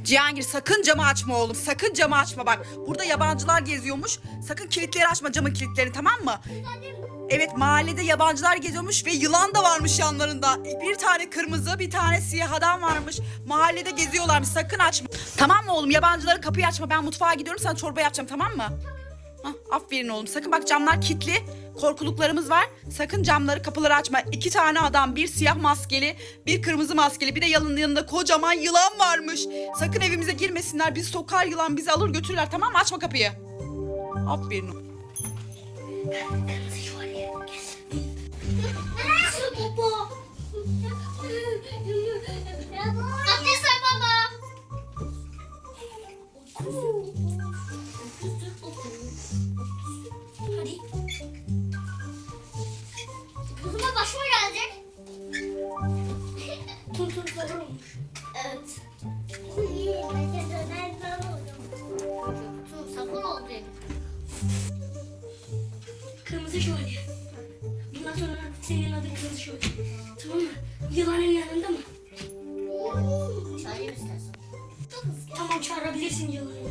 Cihangir sakın camı açma oğlum. Sakın camı açma bak. Burada yabancılar geziyormuş. Sakın kilitleri açma, camın kilitlerini, tamam mı? Evet, mahallede yabancılar geziyormuş ve yılan da varmış yanlarında. Bir tane kırmızı, bir tane siyah adam varmış. Mahallede geziyorlarmış. Sakın açma. Tamam mı oğlum? Yabancıların kapıyı açma. Ben mutfağa gidiyorum. Sana çorba yapacağım, tamam mı? Hah, aferin oğlum. Sakın bak, camlar kilitli. Korkuluklarımız var. Sakın camları, kapıları açma. 2 tane adam, bir siyah maskeli, bir kırmızı maskeli, bir de yanında kocaman yılan varmış. Sakın evimize girmesinler. Bizi sokar yılan, bizi alır götürürler, tamam mı? Açma kapıyı. Aferin oğlum. Abdest ver baba. Hadi. Kızıma başıma gelecek. Tur olmuş. Evet. Sapın oldu. Kırmızı şövalye. Bundan sonra senin adın kırmızı şövalye. Tamam mı? Yılanın yanında mı? Çağırayım istersen. Tamam, çağırabilirsin yılanı.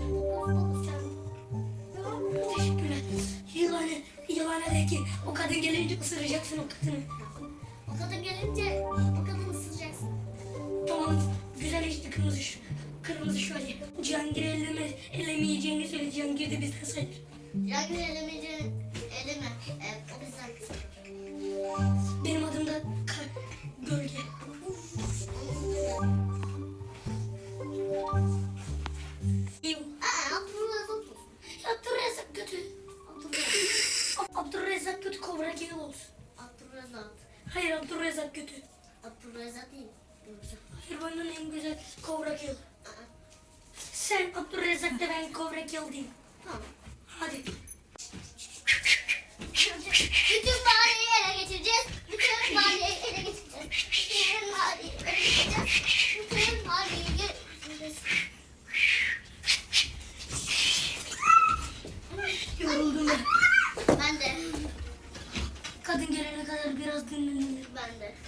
Teşekkürler. Yılana de ki o kadın gelince ısıracaksın o kadını. O kadın gelince o kadını ısıracaksın. Tamam, güzel işte kırmızı şövalye. Cihangir'i elemeyeceğini söyle. Cihangir de bizden sayılır. Cihangir elemeyeceğini eleme. O bizden kızım. Benim adım da Gölge. Abdurrahman olsun. Abdurrezzak kötü. Abdurrezzak kötü, Kobra Keel olsun. Abdurrahman. Hayır, Abdurrezzak kötü. Abdurrahman değil. Hayır, benden en güzel Kobra Keel. Sen Abdurrezzak de, ben Kobra Keel diyeyim. Tamam. Hadi. Bütün mahalleyi ele geçireceğiz. Bütün mahalleyi ele geçireceğiz. Bütün mahalleyi ele geçireceğiz. Bütün mahalleyi ele geçireceğiz. Yoruldum ben. Ben de. Kadın gelene kadar biraz dinlenir. Ben de.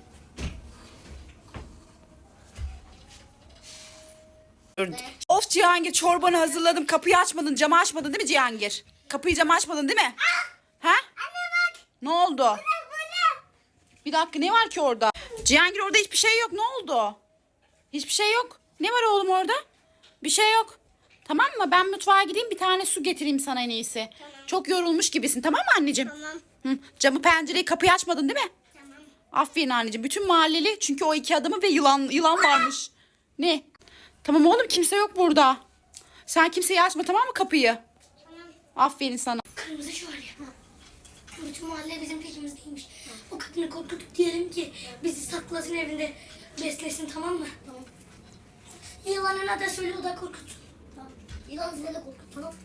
Of Cihangir, çorbanı hazırladım. Kapıyı açmadın, camı açmadın değil mi Cihangir? Kapıyı, camı açmadın değil mi? Ha? Anne bak. Ne oldu? Bu ne? Bir dakika, ne var ki orada? Cihangir, orada hiçbir şey yok. Ne oldu? Hiçbir şey yok. Ne var oğlum orada? Bir şey yok. Tamam mı? Ben mutfağa gideyim, bir tane su getireyim sana en iyisi. Tamam. Çok yorulmuş gibisin, tamam mı anneciğim? Tamam. Hı, camı, pencereyi, kapıyı açmadın değil mi? Tamam. Aferin anneciğim. Bütün mahalleli, çünkü o 2 adamı ve yılan varmış. Ne? Tamam oğlum, kimse yok burada. Sen kimseyi açma, tamam mı, kapıyı? Tamam. Aferin sana. Kırmızı şövalye. Bütün mahalle bizim peşimizdeymiş. O kadını korkutup diyelim ki bizi saklasın evinde, beslesin, tamam mı? Tamam. Yılanına da söyle, o da korkutsun. Tamam. Yılan size de korkut. Tamam.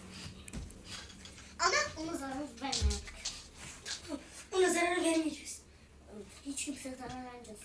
Ama ona zarar verme artık. Tamam. Ona zarar vermeyeceğiz. Hiç kimseye zarar vermeyeceğiz.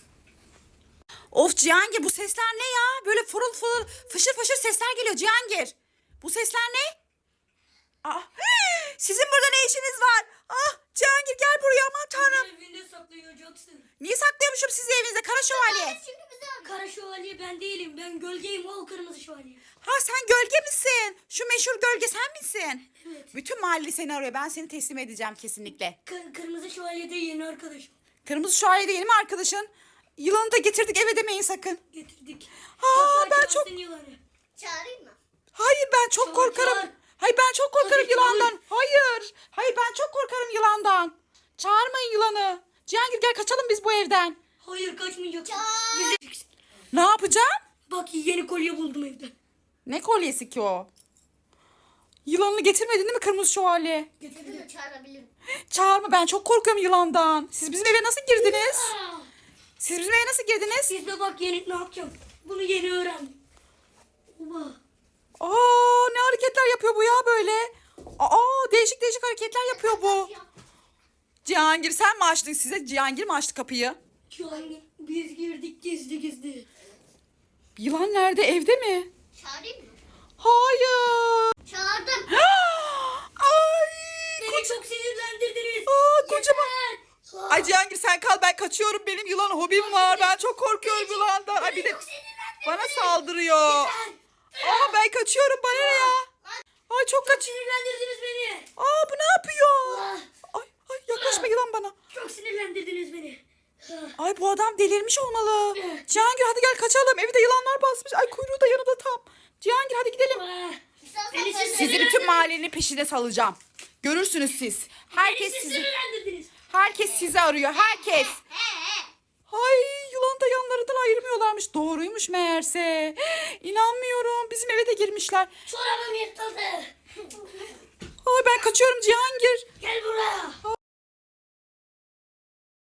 Of Cihangir, bu sesler ne ya? Böyle fırıl fırıl, fışır fışır sesler geliyor Cihangir. Bu sesler ne? Aa, sizin burada ne işiniz var? Ah Cihangir, gel buraya, aman tanrım. Evinde saklayacaksın. Niye saklıyormuşum sizi evinizde, kara şövalye? Çünkü bize Kara şövalye ben değilim. Ben gölgeyim, o kırmızı şövalye. Ha, sen gölge misin? Şu meşhur gölge sen misin? Evet. Bütün mahalle seni arıyor. Ben seni teslim edeceğim kesinlikle. Kırmızı şövalye de yeni arkadaşım. Kırmızı şövalye değil mi arkadaşın? Yılanı da getirdik, eve demeyin sakın. Getirdik. Ha, ben Çağırsın çok... yılanı. çağırayım mı? Hayır, ben çok Çağır, korkarım. çağır. Hayır, ben çok korkarım Hadi yılandan. çağır. Hayır. Hayır, ben çok korkarım yılandan. Çağırmayın yılanı. Cihangir, gel kaçalım biz bu evden. Hayır, kaçmayacaksın. Çağır. Bize... Ne yapacağım? Bak, yeni kolye buldum evde. Ne kolyesi ki o? Yılanını getirmedin değil mi kırmızı şövalye? Getirdim de çağırabilirim. Çağırma, ben çok korkuyorum yılandan. Siz bizim eve nasıl girdiniz? Aa, Siz bizim eve nasıl girdiniz? siz de bak, yeni ne yapacağım. Bunu yeni öğrendim. Oba. Aa, ne hareketler yapıyor bu ya böyle? Aa, değişik değişik hareketler yapıyor bu. Cihangir, sen mi açtın size? Cihangir mi açtı kapıyı? Yani biz girdik gizli gizli. Yılan nerede? Evde mi? Çağırayım mı? Hayır. Çağırdım. Ay, Beni çok sinirlendirdiniz. aa, kocaman. Yeter. Ay Cihangir, sen kal, ben kaçıyorum. Benim yılan hobim var. Ben çok korkuyorum yılandan. Ay, bir de bana saldırıyor. kaçıyorum, bana ne ya? Ay çok kaç. Sinirlendirdiniz beni. Aa bu ne yapıyor? Ah, Ay yaklaşma yılan bana. çok sinirlendirdiniz beni. Ah, Ay bu adam delirmiş olmalı. Cihangir hadi gel kaçalım. Evi de yılanlar basmış. Ay kuyruğu da yanında tam. Cihangir hadi gidelim. ah. Beni Sizi bütün mahallenin peşine salacağım. Görürsünüz siz. Herkes Beni siz sizi. sinirlendirdiniz. Herkes sizi arıyor. Herkes. Ay yılan da yanlarından ayırmıyorlarmış. Doğruymuş meğerse. İnanmıyorum. Bizim eve de girmişler. Çorabım yırtıldı. Ay ben kaçıyorum Cihangir. Gel buraya.